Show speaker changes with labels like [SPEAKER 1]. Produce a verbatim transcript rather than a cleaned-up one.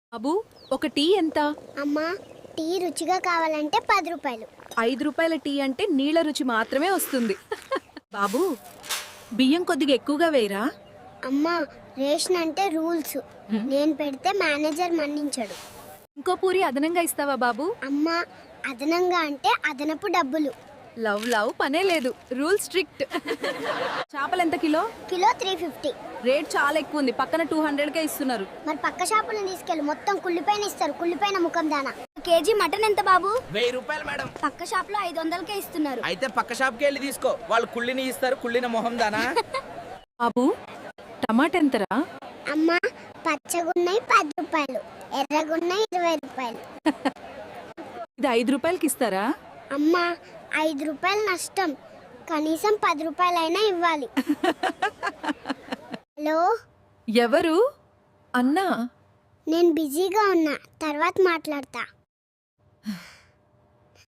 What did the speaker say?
[SPEAKER 1] బాబు ఒక టీ ఎంత?
[SPEAKER 2] అమ్మా, టీ రుచిగా కావాలంటే పది రూపాయలు.
[SPEAKER 1] ఐదు రూపాయల టీ అంటే నీళ్ళ రుచి మాత్రమే వస్తుంది. బాబు బియ్యం కొద్దిగా ఎక్కువగా వేయరా?
[SPEAKER 2] అమ్మా, రేషన్ అంటే రూల్స్. నేను పెడితే మేనేజర్ మన్నించడు.
[SPEAKER 1] ఇంకో పూరి అదనంగా ఇస్తావా బాబు?
[SPEAKER 2] అమ్మా, అదనంగా అంటే అదనపు డబ్బులు.
[SPEAKER 1] లవ్ లవ్ పనే లేదు, రూల్ స్ట్రిక్ట్. చేపలు ఎంత kilo?
[SPEAKER 2] Kilo three fifty.
[SPEAKER 1] Rate చాలా ఎక్కువ ఉంది, పక్కన టూ హండ్రెడ్ కే ఇస్తున్నారు.
[SPEAKER 2] మరి పక్క షాపులను తీసుకెళ్ళి మొత్తం కుళ్ళిపైన ఇస్తారు. కుళ్ళిపైన ముఖం దానా. కేజీ మటన్ ఎంత బాబు?
[SPEAKER 3] వెయ్యి రూపాయలు మేడం.
[SPEAKER 2] పక్క షాప్ లో ఐదు వందలకే ఇస్తున్నారు.
[SPEAKER 3] అయితే పక్క షాప్కి వెళ్ళి తీసుకో, వాళ్ళు కుళ్ళిని ఇస్తారు. కుళ్ళిన మొహం దానా.
[SPEAKER 1] బాబు టమాటా ఎంతరా?
[SPEAKER 2] అమ్మా, పచ్చగున్నాయి పది రూపాయలు, ఎర్రగున్నాయి ఇరవై రూపాయలు.
[SPEAKER 1] ఇది ఐదు రూపాయలకి ఇస్తారా?
[SPEAKER 2] అమ్మా, ఐదు రూపాయలు నష్టం, కనీసం పది రూపాయలైనా ఇవ్వాలి. హలో,
[SPEAKER 1] ఎవరు? అన్నా.
[SPEAKER 2] నేను బిజీగా ఉన్నా, తర్వాత మాట్లాడతా.